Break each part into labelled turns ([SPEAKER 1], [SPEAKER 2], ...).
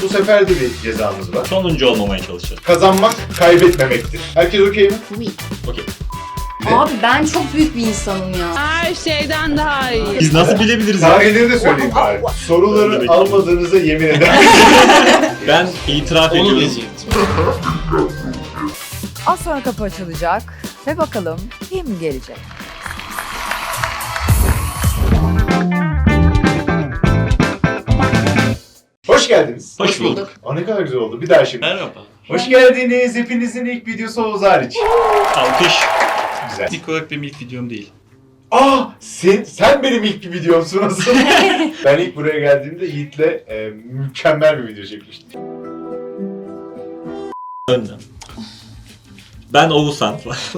[SPEAKER 1] Bu sefer de bir cezamız var.
[SPEAKER 2] Sonuncu olmamaya çalışacağız.
[SPEAKER 1] Kazanmak kaybetmemektir. Herkes okey mi?
[SPEAKER 3] Oui.
[SPEAKER 2] Okey.
[SPEAKER 3] Abi ben çok büyük bir insanım ya.
[SPEAKER 4] Her şeyden daha iyi.
[SPEAKER 2] Biz nasıl bilebiliriz ya?
[SPEAKER 1] Tarihleri de söyleyeyim bari. Soruları almadığınıza yemin ederim.
[SPEAKER 2] Ben itiraf
[SPEAKER 5] Onu
[SPEAKER 2] ediyorum.
[SPEAKER 5] diyecektim.
[SPEAKER 6] Az sonra kapı açılacak ve bakalım kim gelecek?
[SPEAKER 1] Hoş geldiniz.
[SPEAKER 2] Hoş bulduk.
[SPEAKER 1] Aa, ne kadar güzel oldu. Bir daha şimdi.
[SPEAKER 5] Merhaba.
[SPEAKER 1] Hoş geldiniz. Hepinizin ilk videosu Oğuz hariç.
[SPEAKER 2] Alkış.
[SPEAKER 1] Güzel.
[SPEAKER 5] İlk olarak benim ilk videom değil.
[SPEAKER 1] Sen benim ilk bir videomsun nasıl? Ben ilk buraya geldiğimde Yiğit'le mükemmel bir video çekmiştim.
[SPEAKER 2] Önden. Ben Oğuzhan.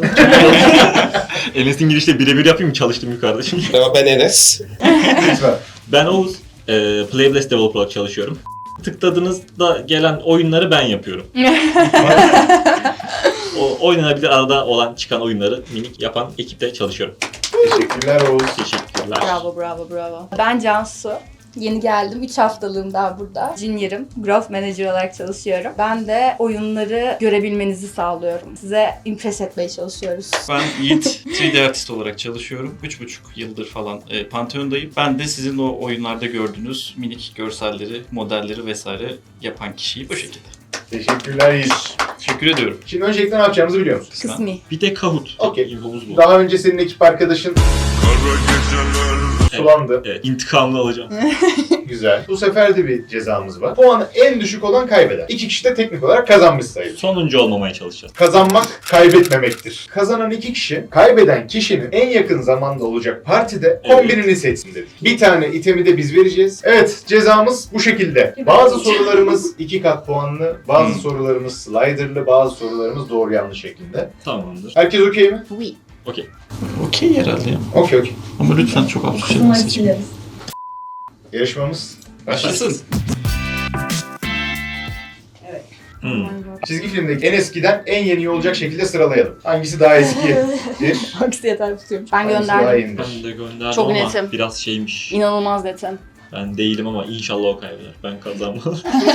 [SPEAKER 2] Enes'in girişte birebir yapayım mı? Çalıştım yukarıda şimdi.
[SPEAKER 7] Merhaba, ben Enes.
[SPEAKER 1] Lütfen.
[SPEAKER 2] Ben Oğuz. Playlist Developer olarak çalışıyorum. Tıkladığınızda gelen oyunları ben yapıyorum. O oynanabilir arada olan çıkan oyunları minik yapan ekipte çalışıyorum.
[SPEAKER 1] Teşekkürler Oğuz.
[SPEAKER 2] Teşekkürler.
[SPEAKER 3] Bravo. Ben Cansu. Yeni geldim. 3 haftalığım daha burada. Junior'ım. Growth Manager olarak çalışıyorum. Ben de oyunları görebilmenizi sağlıyorum. Size impress etmeye çalışıyoruz.
[SPEAKER 5] Ben Yiğit 3D artist olarak çalışıyorum. 3,5 yıldır falan Pantheon'dayım. Ben de sizin o oyunlarda gördüğünüz minik görselleri, modelleri vesaire yapan kişiyim. O şekilde.
[SPEAKER 1] Teşekkürler Yiğit.
[SPEAKER 5] Teşekkür ediyorum.
[SPEAKER 1] Şimdi öncelikle ne yapacağımızı biliyor musun?
[SPEAKER 3] Kısmi.
[SPEAKER 2] Bir de Kahoot.
[SPEAKER 1] Okey.
[SPEAKER 2] İnfomuz bu.
[SPEAKER 1] Daha önce senin ekip arkadaşın sulandı.
[SPEAKER 2] Evet, intikamını alacağım.
[SPEAKER 1] Güzel. Bu sefer de bir cezamız var. Puanı en düşük olan kaybeder. İki kişi de teknik olarak kazanmış sayılır.
[SPEAKER 2] Sonuncu olmamaya çalışacağız.
[SPEAKER 1] Kazanmak kaybetmemektir. Kazanan iki kişi, kaybeden kişinin en yakın zamanda olacak partide kombinini seçsin dedik. Bir tane itemi de biz vereceğiz. Evet, cezamız bu şekilde. Bazı sorularımız 2 kat puanlı, bazı sorularımız slider'lı, bazı sorularımız doğru yanlış şeklinde.
[SPEAKER 2] Tamamdır.
[SPEAKER 1] Herkes okey mi?
[SPEAKER 3] Oui.
[SPEAKER 2] Okey.
[SPEAKER 5] Okey herhalde ya.
[SPEAKER 1] Okey.
[SPEAKER 5] Ama lütfen çok absürt şeyler seçmeyin.
[SPEAKER 1] Yarışmamız başlasın.
[SPEAKER 5] Başlasın.
[SPEAKER 1] Çizgi filmdeki en eskiden en yeni olacak şekilde sıralayalım. Hangisi daha eskidir?
[SPEAKER 3] Hangisi yeter tutuyormuş. Ben
[SPEAKER 1] Hangisi daha
[SPEAKER 3] gönderdim.
[SPEAKER 1] yenidir?
[SPEAKER 2] Ben de gönderdim
[SPEAKER 3] Çok
[SPEAKER 2] ama
[SPEAKER 3] netim.
[SPEAKER 2] biraz şeymiş.
[SPEAKER 3] İnanılmaz netim.
[SPEAKER 2] Ben değilim ama inşallah o kaybeder. Ben kazanmam.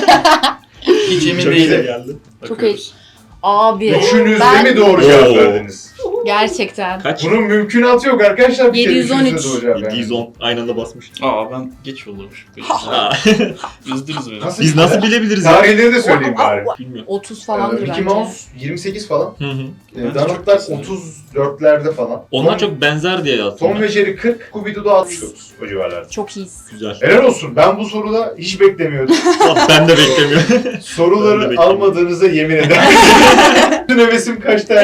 [SPEAKER 5] Hiç emin
[SPEAKER 1] Çok
[SPEAKER 5] değilim.
[SPEAKER 1] güzel
[SPEAKER 2] geldi.
[SPEAKER 5] Bakıyoruz.
[SPEAKER 3] Abi.
[SPEAKER 1] Üçünüz de
[SPEAKER 3] ben
[SPEAKER 1] mi doğru cevap
[SPEAKER 2] Oo.
[SPEAKER 1] verdiniz?
[SPEAKER 3] gerçekten.
[SPEAKER 2] Kaç?
[SPEAKER 1] Bunun mümkünatı yok arkadaşlar. Bir kere
[SPEAKER 3] 713.
[SPEAKER 1] üçünüz de doğru cevap verdiniz.
[SPEAKER 2] 710 aynı anda basmış.
[SPEAKER 5] Aa ben geç yollamışım.
[SPEAKER 2] Aa,
[SPEAKER 5] Üzdünüz beni.
[SPEAKER 2] Biz nasıl bilebiliriz ya?
[SPEAKER 1] Tarihleri de söyleyeyim bari.
[SPEAKER 2] Bilmiyorum.
[SPEAKER 3] 30 falandır
[SPEAKER 1] Mickey
[SPEAKER 3] bence.
[SPEAKER 1] Mouse 28 falan.
[SPEAKER 2] Hı hı.
[SPEAKER 5] Bence
[SPEAKER 1] Donald'lar
[SPEAKER 5] çok güzel.
[SPEAKER 1] 34'lerde falan.
[SPEAKER 2] Onlar çok benzer diye yazdım.
[SPEAKER 1] Tom
[SPEAKER 2] ben.
[SPEAKER 1] ve Jerry 40, Scooby-Doo da 69 o civarlarda.
[SPEAKER 3] Çok iyiyiz.
[SPEAKER 2] Güzel.
[SPEAKER 1] Helal olsun. Ben bu soruda hiç beklemiyordum.
[SPEAKER 2] Ben de beklemiyorum. Ben de
[SPEAKER 1] Soruları
[SPEAKER 2] bekliyorum.
[SPEAKER 1] almadığınıza yemin ederim. Bütün hevesim kaçtı.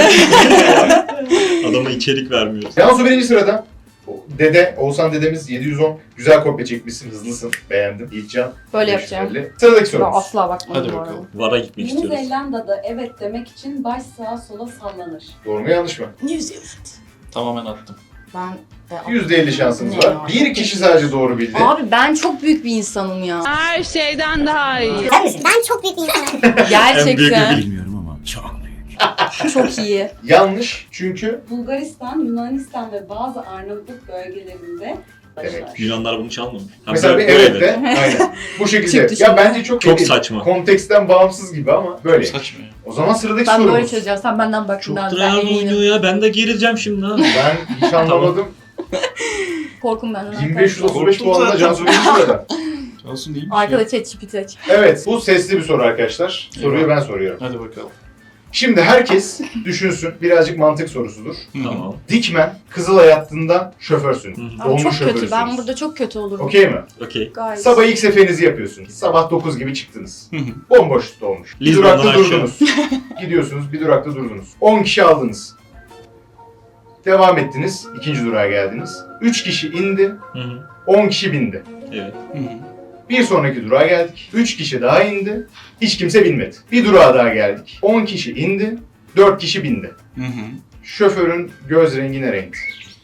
[SPEAKER 2] Adama içerik vermiyoruz.
[SPEAKER 1] Cansu birinci sırada. Oğuzhan dedemiz 710. Güzel kopya çekmişsin, hızlısın. Beğendim. Yiğitcan.
[SPEAKER 3] Böyle
[SPEAKER 1] 550.
[SPEAKER 3] yapacağım.
[SPEAKER 1] Sıradaki
[SPEAKER 3] Ben
[SPEAKER 1] sorumuz.
[SPEAKER 3] asla bakmadım
[SPEAKER 5] Hadi
[SPEAKER 3] bu arada.
[SPEAKER 5] bakalım.
[SPEAKER 2] Vara gitmek
[SPEAKER 8] Yeni
[SPEAKER 2] istiyoruz.
[SPEAKER 8] Zelanda'da evet demek için baş sağa sola sallanır.
[SPEAKER 1] Doğru mu yanlış mı?
[SPEAKER 3] New Zealand.
[SPEAKER 5] Tamamen attım.
[SPEAKER 3] Ben
[SPEAKER 1] %50 şansınız
[SPEAKER 3] Ne
[SPEAKER 1] var.
[SPEAKER 3] ya?
[SPEAKER 1] Bir kişi sadece doğru bildi.
[SPEAKER 3] Abi ben çok büyük bir insanım ya.
[SPEAKER 4] Her şeyden daha iyi.
[SPEAKER 9] Ben çok büyük bir insanım.
[SPEAKER 2] En büyük
[SPEAKER 3] Gerçekten.
[SPEAKER 10] Bilmiyorum ama çok büyük.
[SPEAKER 3] Çok iyi.
[SPEAKER 1] Yanlış çünkü
[SPEAKER 8] Bulgaristan, Yunanistan ve bazı Arnavutluk bölgelerinde
[SPEAKER 1] demek.
[SPEAKER 2] Yunanlar bunu çalmamış. Ha,
[SPEAKER 1] Mesela bir
[SPEAKER 2] böyle
[SPEAKER 1] evet de aynen. Bu şekilde.
[SPEAKER 3] Çıktı
[SPEAKER 1] Ya
[SPEAKER 3] şimdi.
[SPEAKER 1] bence çok
[SPEAKER 2] Çok
[SPEAKER 1] değil.
[SPEAKER 2] saçma.
[SPEAKER 1] Konteksten bağımsız gibi ama böyle.
[SPEAKER 5] Saçma ya.
[SPEAKER 1] O zaman sıradaki
[SPEAKER 3] Ben böyle
[SPEAKER 1] sorumuz.
[SPEAKER 3] çözeceğim. Sen benden bak.
[SPEAKER 2] Çok
[SPEAKER 3] Ben
[SPEAKER 2] tryhard oynuyor
[SPEAKER 3] eminim.
[SPEAKER 2] ya. Ben de gerileceğim şimdi ha.
[SPEAKER 1] Ben hiç anlamadım.
[SPEAKER 3] Korkum benden.
[SPEAKER 1] 1535
[SPEAKER 5] Korktum
[SPEAKER 1] puanla
[SPEAKER 5] zaten.
[SPEAKER 1] Cansu birinci sırada.
[SPEAKER 5] Olsun değil mi?
[SPEAKER 3] Arkada ChatGPT aç.
[SPEAKER 1] Evet, bu sesli bir soru arkadaşlar. Soruyu ben soruyorum.
[SPEAKER 5] Hadi bakalım.
[SPEAKER 1] Şimdi herkes düşünsün. Birazcık mantık sorusudur.
[SPEAKER 2] Tamam.
[SPEAKER 1] Dikmen, Kızılay hattından şoförsün.
[SPEAKER 2] Hı hı.
[SPEAKER 3] Abi
[SPEAKER 1] Dolmuş
[SPEAKER 3] çok kötü.
[SPEAKER 1] şoförsünüz.
[SPEAKER 3] Ben burada çok kötü olurum.
[SPEAKER 1] Okey mi?
[SPEAKER 2] Okey.
[SPEAKER 3] Gayet.
[SPEAKER 1] Sabah ilk seferinizi yapıyorsunuz. Sabah 9 gibi çıktınız.
[SPEAKER 5] Hı hı.
[SPEAKER 1] Bomboş dolmuş. Bir
[SPEAKER 2] Lizbon'dan
[SPEAKER 1] durakta
[SPEAKER 2] aşağı.
[SPEAKER 1] durdunuz. Gidiyorsunuz, bir durakta durdunuz. 10 kişi aldınız. Devam ettiniz. İkinci durağa geldiniz. 3 kişi indi.
[SPEAKER 2] Hı hı.
[SPEAKER 1] 10 kişi bindi.
[SPEAKER 2] Evet.
[SPEAKER 5] Hı hı.
[SPEAKER 1] Bir sonraki durağa geldik. 3 kişi daha indi. Hiç kimse binmedi. Bir durağa daha geldik. 10 kişi indi. 4 kişi bindi.
[SPEAKER 5] Hı hı.
[SPEAKER 1] Şoförün göz rengi ne renkti?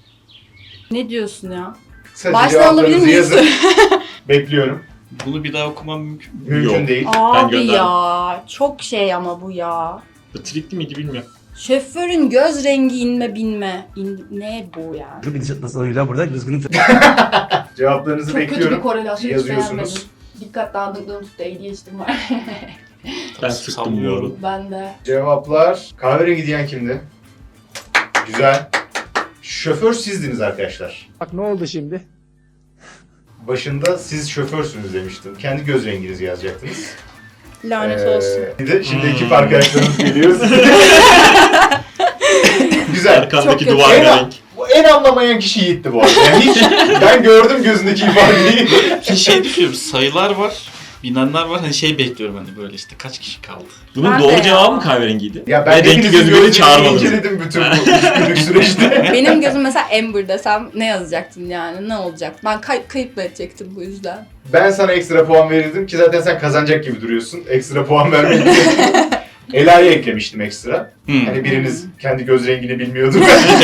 [SPEAKER 3] Ne diyorsun ya?
[SPEAKER 1] Kısaca
[SPEAKER 3] Baştan alabilir
[SPEAKER 1] cevaplarınızı
[SPEAKER 3] miyiz?
[SPEAKER 1] yazın. Bekliyorum.
[SPEAKER 5] Bunu bir daha okumam mümkün mü?
[SPEAKER 1] Mümkün
[SPEAKER 2] Yok.
[SPEAKER 1] değil.
[SPEAKER 3] Abi
[SPEAKER 2] gönderdim.
[SPEAKER 3] ya. Çok şey ama bu ya.
[SPEAKER 2] Bu trikli miydi bilmiyorum.
[SPEAKER 3] Şoförün göz rengi inme binme. Ne bu ya?
[SPEAKER 10] Bir gidişat nasıl oyuyla burada düzgün.
[SPEAKER 1] Cevaplarınızı
[SPEAKER 3] Çok kötü bir
[SPEAKER 1] bekliyorum.
[SPEAKER 3] korelasyon hiç beğenmedim.
[SPEAKER 1] Yazıyorsunuz.
[SPEAKER 3] Dikkat dağınıklığım tuttu. ADHD'm var.
[SPEAKER 2] Ben sıktım bu arada.
[SPEAKER 3] Ben de.
[SPEAKER 1] Cevaplar kahverengi diyen kimdi? Güzel. Şoför sizdiniz arkadaşlar.
[SPEAKER 7] Bak ne oldu şimdi?
[SPEAKER 1] Başında siz şoförsünüz demiştim. Kendi göz renginizi yazacaktınız.
[SPEAKER 3] Lanet olsun.
[SPEAKER 1] Bir de şimdi ekip arkadaşlarımız geliyor. Güzel.
[SPEAKER 2] Arkandaki
[SPEAKER 3] Çok
[SPEAKER 2] duvar
[SPEAKER 1] kötü.
[SPEAKER 2] renk.
[SPEAKER 1] Bu en anlamayan kişi Yiğit'ti bu arada. Yani hiç ben gördüm gözündeki ifadeyi.
[SPEAKER 5] Ki şey düşünüyorum, sayılar var, bilenler var. Hani şey bekliyorum hani böyle işte kaç kişi kaldı.
[SPEAKER 2] Bunun
[SPEAKER 3] Ben de
[SPEAKER 2] doğru
[SPEAKER 3] ya.
[SPEAKER 2] cevabı mı kahverengiydi?
[SPEAKER 1] Ya ben
[SPEAKER 2] Ve renkli
[SPEAKER 1] hepinizin
[SPEAKER 2] gözü beni
[SPEAKER 1] gözlerini
[SPEAKER 2] çağırmadınız.
[SPEAKER 1] inceledim bütün bu 3 günlük süreçte.
[SPEAKER 3] Benim gözüm mesela Amber desem ne yazacaktın yani? Ne olacak? Ben kayıp mı edecektim bu yüzden?
[SPEAKER 1] Ben sana ekstra puan verirdim ki zaten sen kazanacak gibi duruyorsun. Ekstra puan vermek için. Ela'yı eklemiştim ekstra. Hani biriniz kendi göz rengini bilmiyordu.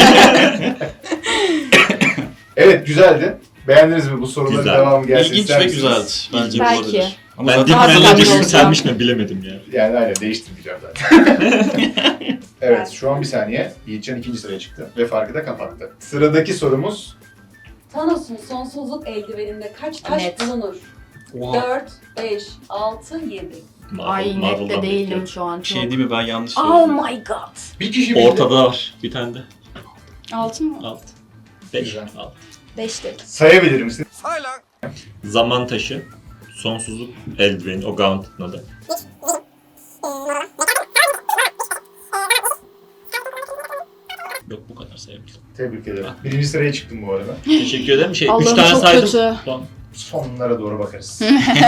[SPEAKER 1] Evet güzeldi. Beğendiniz mi bu soruların
[SPEAKER 2] Güzel.
[SPEAKER 1] devamı gelsin
[SPEAKER 5] İlginç
[SPEAKER 1] ister
[SPEAKER 5] ve
[SPEAKER 1] misiniz?
[SPEAKER 5] güzeldi. Bence
[SPEAKER 3] Belki.
[SPEAKER 5] olabilir. Ama
[SPEAKER 2] Ben
[SPEAKER 5] zaten
[SPEAKER 2] dik
[SPEAKER 3] Daha
[SPEAKER 2] menajeri
[SPEAKER 3] sabırlı
[SPEAKER 2] yükselmiş mi bilemedim ya.
[SPEAKER 1] Yani aynen değiştirmeyeceğim zaten. Evet şu an bir saniye. Yiğitcan ikinci sıraya çıktı ve farkı da kapattı. Sıradaki sorumuz
[SPEAKER 8] Thanos'un sonsuzluk eldiveninde kaç taş
[SPEAKER 3] Net.
[SPEAKER 8] bulunur?
[SPEAKER 5] Oha.
[SPEAKER 8] 4, 5, 6, 7.
[SPEAKER 3] Ay net de
[SPEAKER 2] Marvel'dan
[SPEAKER 3] değilim
[SPEAKER 2] bekliyorum.
[SPEAKER 3] şu an
[SPEAKER 5] Bir
[SPEAKER 3] çok.
[SPEAKER 5] şey değil mi, ben yanlış
[SPEAKER 3] Oh
[SPEAKER 5] söyledim.
[SPEAKER 3] my god.
[SPEAKER 1] bir kişi bildi.
[SPEAKER 2] Ortada var bir tane de.
[SPEAKER 3] Altın mı?
[SPEAKER 2] Alt. 5.
[SPEAKER 1] Güzel.
[SPEAKER 2] Alt.
[SPEAKER 3] 5 dedim.
[SPEAKER 1] Sayabilir misin?
[SPEAKER 2] Zaman taşı. Sonsuzluk eldiveni. O Gauntlet'ın adı. Yok bu kadar sayabilirim.
[SPEAKER 1] Tebrik ederim. Birinci sıraya çıktım bu arada.
[SPEAKER 2] Teşekkür ederim. 3
[SPEAKER 3] Allah'ım
[SPEAKER 2] tane
[SPEAKER 3] çok
[SPEAKER 2] saydım.
[SPEAKER 3] kötü.
[SPEAKER 2] Son.
[SPEAKER 1] Sonlara doğru bakarız.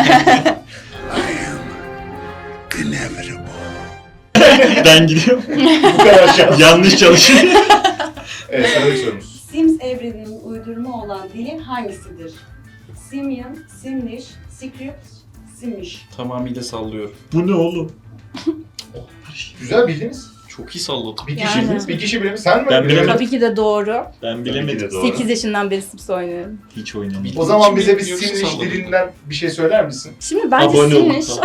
[SPEAKER 2] Ben gidiyorum.
[SPEAKER 1] Bu kadar şans.
[SPEAKER 2] Yanlış çalışıyorum.
[SPEAKER 1] Evet sıradaki sorumuz.
[SPEAKER 8] Sims evreninin uydurma olan dili hangisidir? Simian, Simlish, Script, Simish.
[SPEAKER 5] Tamamıyla sallıyorum.
[SPEAKER 2] Bu ne oğlum?
[SPEAKER 1] Güzel bildiniz.
[SPEAKER 5] Çok iyi salladım.
[SPEAKER 1] Bir kişi,
[SPEAKER 3] Yani.
[SPEAKER 1] bir kişi bilemiş. Sen mi?
[SPEAKER 2] Ben bilemedim.
[SPEAKER 3] Tabii ki de doğru.
[SPEAKER 2] Ben
[SPEAKER 1] Tabii ki
[SPEAKER 2] bilemedim.
[SPEAKER 1] de doğru.
[SPEAKER 3] 8 yaşından beri Sims oynuyorum.
[SPEAKER 2] Hiç oynamadım.
[SPEAKER 1] O zaman
[SPEAKER 5] Kim
[SPEAKER 1] bize bir
[SPEAKER 5] biliyorsa
[SPEAKER 1] Simlish
[SPEAKER 5] salladım.
[SPEAKER 1] dilinden bir şey söyler misin?
[SPEAKER 3] Şimdi bence
[SPEAKER 2] Abone olun.
[SPEAKER 3] Simlish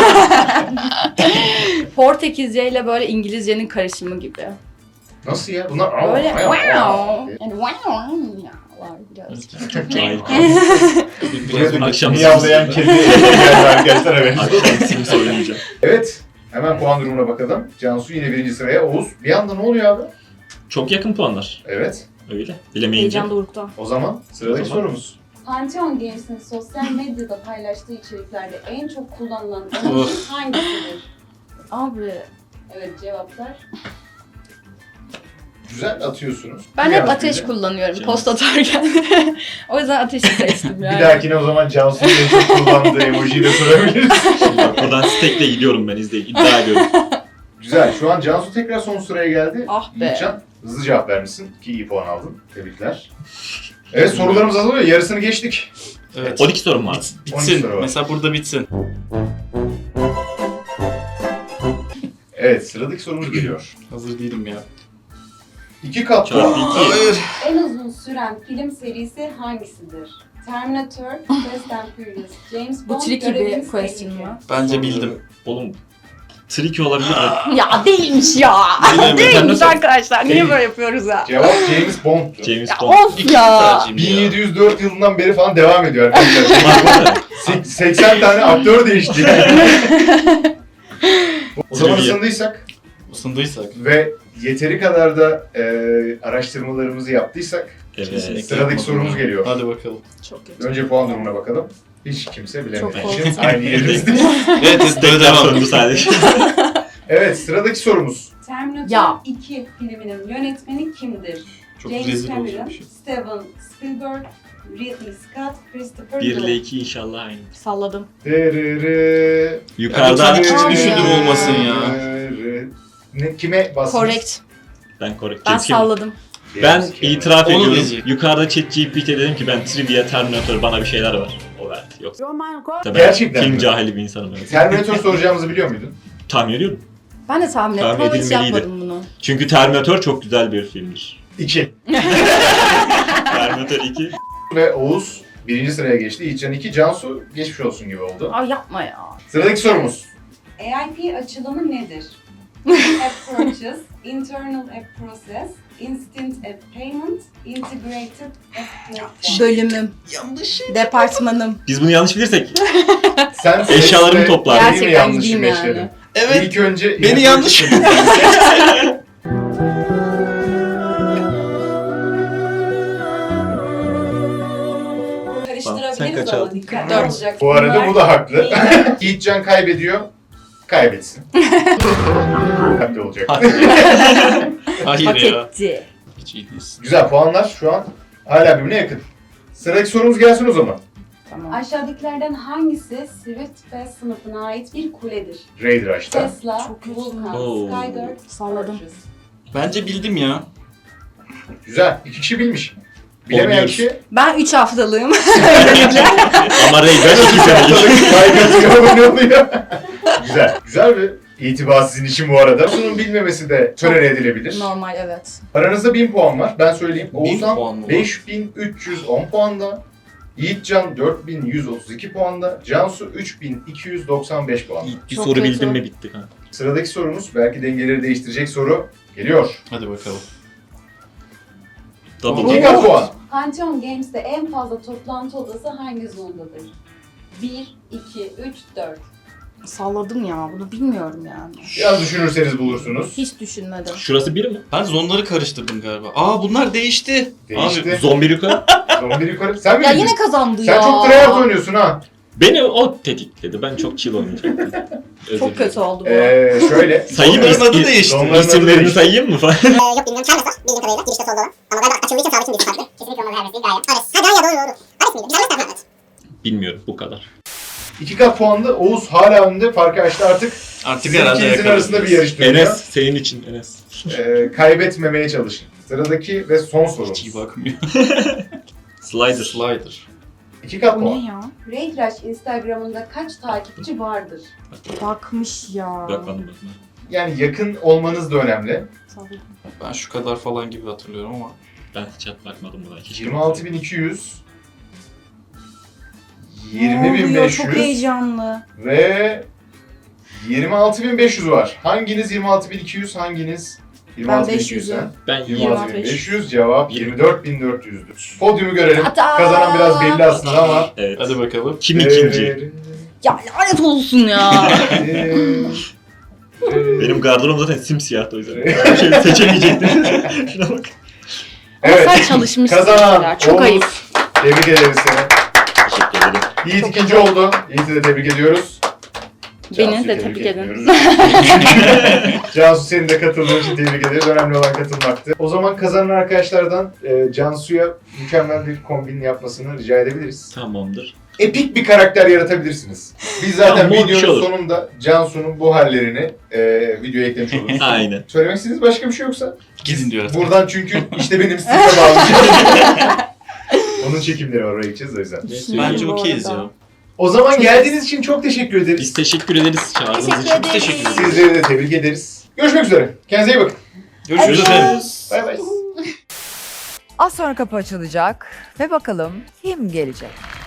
[SPEAKER 3] Portekizce ile böyle İngilizcenin karışımı gibi.
[SPEAKER 1] Nasıl ya? Bunlar
[SPEAKER 3] Böyle
[SPEAKER 1] Aa,
[SPEAKER 3] wow.
[SPEAKER 1] aa.
[SPEAKER 3] Yani wow var biraz.
[SPEAKER 5] Çok
[SPEAKER 2] Cahil.
[SPEAKER 1] Buraya da
[SPEAKER 2] Akşam
[SPEAKER 1] miyavlayan kedi geldi arkadaşlar evet.
[SPEAKER 2] Akşam Sims oynayacağım.
[SPEAKER 1] Evet. Hemen puan durumuna bakalım. Cansu yine birinci sıraya. Oğuz bir anda ne oluyor abi?
[SPEAKER 2] Çok yakın puanlar.
[SPEAKER 1] Evet.
[SPEAKER 2] Öyle. Bilemeyince.
[SPEAKER 3] Heyecan dorukta.
[SPEAKER 1] O zaman sıradaki
[SPEAKER 2] O zaman.
[SPEAKER 1] sorumuz.
[SPEAKER 8] Pantheon Games'in sosyal medyada paylaştığı içeriklerde en çok kullanılan emoji hangisidir?
[SPEAKER 3] Abi
[SPEAKER 8] Evet cevaplar.
[SPEAKER 1] Güzel atıyorsunuz.
[SPEAKER 3] ben
[SPEAKER 1] Bir
[SPEAKER 3] hep
[SPEAKER 1] yanlış
[SPEAKER 3] ateş
[SPEAKER 1] bildi.
[SPEAKER 3] kullanıyorum
[SPEAKER 2] Canım.
[SPEAKER 3] post atarken. O yüzden ateşi seçtim yani.
[SPEAKER 1] Bir dahakine o zaman Cansu'nun en çok kullandığı emojiyi de sorabiliriz.
[SPEAKER 2] Bak buradan stack'le gidiyorum ben izleyin. İddia ediyorum.
[SPEAKER 1] Güzel. Şu an Cansu tekrar son sıraya geldi.
[SPEAKER 3] Ah be.
[SPEAKER 1] Yiğitcan hızlı cevap vermişsin ki iyi puan aldın. Tebrikler. Evet sorularımız azalıyor. Yarısını geçtik.
[SPEAKER 5] Evet.
[SPEAKER 2] 12 sorum var.
[SPEAKER 1] 12
[SPEAKER 5] Bitsin.
[SPEAKER 1] soru var.
[SPEAKER 5] Mesela burada bitsin.
[SPEAKER 1] Evet sıradaki sorumuz geliyor.
[SPEAKER 5] Hazır değilim ya.
[SPEAKER 1] 2 katlı.
[SPEAKER 2] Çarpı 2.
[SPEAKER 5] Hayır.
[SPEAKER 8] En uzun süren film serisi hangisidir? Terminator, Fast and Furious, James
[SPEAKER 3] Bu
[SPEAKER 8] Bond,
[SPEAKER 3] tricky bir
[SPEAKER 8] Görevimiz
[SPEAKER 3] question
[SPEAKER 8] Tehlike.
[SPEAKER 3] mı?
[SPEAKER 5] Bence bildim.
[SPEAKER 2] Oğlum tricky olabilir mi?
[SPEAKER 3] Ya değilmiş ya.
[SPEAKER 5] Bilemedim.
[SPEAKER 3] Değilmiş arkadaşlar. Niye
[SPEAKER 1] Değil.
[SPEAKER 3] böyle yapıyoruz ya?
[SPEAKER 1] Cevap James Bond'tu.
[SPEAKER 2] James
[SPEAKER 3] Ya
[SPEAKER 2] Bond.
[SPEAKER 3] of
[SPEAKER 5] İkinci
[SPEAKER 3] ya.
[SPEAKER 5] tercihim ya.
[SPEAKER 1] 1704 yılından beri falan devam ediyor arkadaşlar.
[SPEAKER 2] Var mı?
[SPEAKER 1] 80 tane aktör değişti. O zaman
[SPEAKER 2] Trivia.
[SPEAKER 1] ısındıysak
[SPEAKER 5] Isındıysak.
[SPEAKER 1] ve yeteri kadar da araştırmalarımızı yaptıysak
[SPEAKER 2] Evet.
[SPEAKER 1] sıradaki
[SPEAKER 5] yapmadım
[SPEAKER 1] sorumuz
[SPEAKER 5] ya.
[SPEAKER 1] geliyor.
[SPEAKER 5] Hadi bakalım.
[SPEAKER 3] Çok kötü.
[SPEAKER 1] Önce puan durumuna bakalım. Hiç kimse
[SPEAKER 3] Çok
[SPEAKER 1] bilemediği
[SPEAKER 3] korktum.
[SPEAKER 1] için aynı yerimizdeyiz.
[SPEAKER 5] Evet,
[SPEAKER 2] Stack'ten
[SPEAKER 5] devam.
[SPEAKER 2] sorumlu sadece.
[SPEAKER 1] Evet sıradaki sorumuz.
[SPEAKER 8] Terminator
[SPEAKER 3] Ya.
[SPEAKER 8] 2 filminin yönetmeni kimdir?
[SPEAKER 5] Çok
[SPEAKER 8] James
[SPEAKER 5] rezil
[SPEAKER 8] Cameron,
[SPEAKER 5] olacak bir şey.
[SPEAKER 8] Steven Spielberg, Ridley Scott, Christopher
[SPEAKER 2] 1 ile
[SPEAKER 8] Nolan.
[SPEAKER 2] 2 inşallah aynı.
[SPEAKER 3] Salladım.
[SPEAKER 1] Dırırı.
[SPEAKER 2] Yukarıdan
[SPEAKER 5] Ya,
[SPEAKER 3] Aa,
[SPEAKER 5] düşündüm
[SPEAKER 3] ya.
[SPEAKER 5] olmasın ya.
[SPEAKER 1] Ne, kime bastınız?
[SPEAKER 3] Correct.
[SPEAKER 2] ben korrekt.
[SPEAKER 3] Ben salladım.
[SPEAKER 2] Ben
[SPEAKER 1] James Cameron.
[SPEAKER 2] itiraf
[SPEAKER 5] Onu
[SPEAKER 2] ediyorum.
[SPEAKER 5] diyecek.
[SPEAKER 2] Yukarıda ChatGPT dedim ki ben trivia Terminator bana bir şeyler var. O verdi. Yoksa ben
[SPEAKER 1] Gerçekten
[SPEAKER 2] film
[SPEAKER 1] mi?
[SPEAKER 2] cahili bir insanım. Evet.
[SPEAKER 1] Terminator soracağımızı biliyor muydun?
[SPEAKER 2] Tahmin ediyorum.
[SPEAKER 3] Ben de tahmin ettim
[SPEAKER 2] Tahmin
[SPEAKER 3] ama hiç
[SPEAKER 2] edilmeliydi.
[SPEAKER 3] yapmadım bunu.
[SPEAKER 2] Çünkü Terminator çok güzel bir filmdir.
[SPEAKER 1] 2.
[SPEAKER 2] Terminator 2.
[SPEAKER 1] Ve Oğuz birinci sıraya geçti. Yiğitcan 2. Cansu geçmiş olsun gibi oldu.
[SPEAKER 3] Ay yapma ya.
[SPEAKER 1] Sıradaki sorumuz.
[SPEAKER 8] AIP açılımı nedir? App Purchase, Internal App Process, Instant App Payment, Integrated App Platform.
[SPEAKER 3] Bölümüm,
[SPEAKER 5] Yanlış.
[SPEAKER 3] departmanım.
[SPEAKER 2] Biz bunu yanlış bilirsek
[SPEAKER 1] Sen
[SPEAKER 2] Eşyalarımı
[SPEAKER 1] sesle
[SPEAKER 2] toplar.
[SPEAKER 1] değil mi
[SPEAKER 3] Gerçekten
[SPEAKER 1] yanlışı
[SPEAKER 3] gideyim
[SPEAKER 1] meşledin?
[SPEAKER 3] yani.
[SPEAKER 5] Evet.
[SPEAKER 1] İlk önce
[SPEAKER 5] Beni yanlış.
[SPEAKER 2] Sen
[SPEAKER 8] Karıştırabiliriz
[SPEAKER 2] kaç
[SPEAKER 8] ama
[SPEAKER 2] aldın?
[SPEAKER 8] dikkatli
[SPEAKER 3] Dört.
[SPEAKER 8] olacak.
[SPEAKER 1] Bu arada
[SPEAKER 8] Bunlar
[SPEAKER 1] bu da haklı.
[SPEAKER 8] iyi.
[SPEAKER 1] Yiğitcan kaybediyor. Kaybetsin. Haklı olacak.
[SPEAKER 5] Hayır
[SPEAKER 3] Hak
[SPEAKER 5] ya.
[SPEAKER 3] etti.
[SPEAKER 5] Hiç iyi değilsin.
[SPEAKER 1] Güzel puanlar şu an hala birbirine yakın. Sıradaki sorumuz gelsin o zaman.
[SPEAKER 3] Tamam.
[SPEAKER 8] Aşağıdakilerden hangisi Swift ve sınıfına ait bir kuledir?
[SPEAKER 1] Raider açtı.
[SPEAKER 8] Tesla,
[SPEAKER 3] Çok kötü.
[SPEAKER 8] Vulkan,
[SPEAKER 2] Oo.
[SPEAKER 8] Skydart,
[SPEAKER 3] Salladım.
[SPEAKER 8] Fortress.
[SPEAKER 5] Bence bildim ya.
[SPEAKER 1] Güzel. 2 kişi bilmiş. Bilemeyen
[SPEAKER 2] Oynuyoruz.
[SPEAKER 1] kişi
[SPEAKER 3] Ben 3 haftalığım.
[SPEAKER 2] ama Ray-Ban 2 senelik.
[SPEAKER 1] kaybediyor ne oluyor? Güzel. Güzel bir itibar sizin için bu arada. Bunun bilmemesi de tolere edilebilir.
[SPEAKER 3] Normal, evet.
[SPEAKER 1] Aranızda 1000 puan var. Ben söyleyeyim.
[SPEAKER 5] 1000
[SPEAKER 1] Oğuzhan
[SPEAKER 5] puan mı var?
[SPEAKER 1] 5310 puanda. Yiğitcan 4132 puanda. Cansu 3295 puanda.
[SPEAKER 2] Bir
[SPEAKER 3] Çok
[SPEAKER 2] soru
[SPEAKER 3] kötü.
[SPEAKER 2] bildim mi bitti. Ha.
[SPEAKER 1] Sıradaki sorumuz belki dengeleri değiştirecek soru geliyor.
[SPEAKER 5] Hadi bakalım.
[SPEAKER 2] Double.
[SPEAKER 1] Giga puan.
[SPEAKER 8] Pantheon Games'te en fazla toplantı odası hangi zondadır? 1, 2, 3, 4.
[SPEAKER 3] Salladım ya. Bunu bilmiyorum yani.
[SPEAKER 1] Biraz düşünürseniz bulursunuz.
[SPEAKER 3] Hiç düşünmedim.
[SPEAKER 2] Şurası 1 mi?
[SPEAKER 5] Ben zonları karıştırdım galiba. Aa bunlar değişti.
[SPEAKER 1] Değişti.
[SPEAKER 2] Zombi yukarı.
[SPEAKER 1] Zombi yukarı. Sen mi
[SPEAKER 3] Ya
[SPEAKER 1] bildin?
[SPEAKER 3] yine kazandı
[SPEAKER 1] Sen
[SPEAKER 3] ya.
[SPEAKER 1] çok tryhard oynuyorsun ha.
[SPEAKER 2] Beni o tetikledi. Ben çok chill oynayacaktım. Özür
[SPEAKER 3] Çok kötü
[SPEAKER 2] dilerim.
[SPEAKER 3] oldu bu.
[SPEAKER 1] Şöyle.
[SPEAKER 2] Sayayım mı?
[SPEAKER 5] Zonların adı değişti.
[SPEAKER 1] Zonların adı
[SPEAKER 2] İsimlerini
[SPEAKER 1] değişti.
[SPEAKER 2] sayayım mı falan?
[SPEAKER 7] Yok bilmiyorum. Çalmasa bildiğim kadarıyla girişte solda olan. Ama galiba açıldığı için sabit bir farklı. Kesinlikle olmaz her mesleği Gaia. Ares. Ha Gaia doğru. Ares miydi? Sen nasıl evet.
[SPEAKER 2] Bilmiyorum bu kadar.
[SPEAKER 1] 2 kat puanlı. Oğuz hala önde. Farkı açtı artık.
[SPEAKER 5] Artık
[SPEAKER 1] Sizin
[SPEAKER 5] herhalde
[SPEAKER 1] ikinizin arasında bir yarış dönüyor.
[SPEAKER 2] Enes senin için Enes.
[SPEAKER 1] Kaybetmemeye çalışın. Sıradaki ve son sorumuz.
[SPEAKER 5] Hiç iyi bakmıyor.
[SPEAKER 2] Slider.
[SPEAKER 5] Slider.
[SPEAKER 1] 2 kat
[SPEAKER 3] Bu
[SPEAKER 1] puan.
[SPEAKER 3] ne ya?
[SPEAKER 8] Raycrash Instagram'ında kaç takipçi vardır?
[SPEAKER 3] Bakmış ya.
[SPEAKER 2] Bakmadım.
[SPEAKER 1] Yani yakın olmanız da önemli.
[SPEAKER 3] Salladım.
[SPEAKER 5] Ben şu kadar falan gibi hatırlıyorum ama.
[SPEAKER 2] Ben hiç bakmadım buna. Hiç
[SPEAKER 1] 26.200
[SPEAKER 3] Ne oluyor? Çok
[SPEAKER 1] 20.500
[SPEAKER 3] heyecanlı.
[SPEAKER 1] ve 26.500 var. Hanginiz 26.200, hanginiz 26.200 sen?
[SPEAKER 2] Ben
[SPEAKER 1] 26.500 cevap 24.400'dür. Podyumu görelim.
[SPEAKER 3] Hatta.
[SPEAKER 1] Kazanan biraz belli aslında ama.
[SPEAKER 2] Evet.
[SPEAKER 5] Hadi bakalım.
[SPEAKER 2] Kim ikinci?
[SPEAKER 3] Ya lanet olsun ya.
[SPEAKER 2] Benim gardırobum zaten simsiyahtı o yüzden. Bir şey seçemeyecektim. Şuna bak.
[SPEAKER 1] Evet.
[SPEAKER 3] Sen çalışmışsın
[SPEAKER 1] Kazanan
[SPEAKER 3] mesela. Çok
[SPEAKER 1] Oğuz.
[SPEAKER 3] ayıp.
[SPEAKER 1] Tebrik ederiz seni.
[SPEAKER 2] Teşekkür ederim.
[SPEAKER 1] Yiğit ikinci oldu. Yiğit'i de tebrik ediyoruz.
[SPEAKER 3] Beni
[SPEAKER 1] Cansu'yu
[SPEAKER 3] de tebrik edin.
[SPEAKER 1] etmiyoruz. Cansu seni de katıldığın için tebrik ederiz. Önemli olan katılmaktı. O zaman kazanan arkadaşlardan Cansu'ya mükemmel bir kombin yapmasını rica edebiliriz.
[SPEAKER 2] Tamamdır.
[SPEAKER 1] Epik bir karakter yaratabilirsiniz. Biz zaten
[SPEAKER 2] Tamam, bir şey
[SPEAKER 1] videonun
[SPEAKER 2] olur.
[SPEAKER 1] sonunda Cansu'nun bu hallerini videoya eklemiş oluruz.
[SPEAKER 2] Aynen.
[SPEAKER 1] Söylemek istediğiniz başka bir şey yoksa?
[SPEAKER 5] Gidin diyor artık.
[SPEAKER 1] Buradan çünkü işte benim stilime bağlayacağım. Onun çekimleri var, oraya gideceğiz o yüzden.
[SPEAKER 5] Bence
[SPEAKER 3] Bu
[SPEAKER 5] okeyiz
[SPEAKER 3] arada.
[SPEAKER 5] ya.
[SPEAKER 1] O zaman geldiğiniz için çok teşekkür ederiz.
[SPEAKER 2] Biz teşekkür ederiz çağırdığınız
[SPEAKER 3] Teşekkür
[SPEAKER 2] için.
[SPEAKER 3] ederiz.
[SPEAKER 5] Teşekkür ederiz.
[SPEAKER 1] Sizleri de tebrik ederiz. Görüşmek üzere. Kendinize iyi bakın.
[SPEAKER 5] Görüşürüz efendim.
[SPEAKER 1] Bay bay.
[SPEAKER 6] Az sonra kapı açılacak ve bakalım kim gelecek?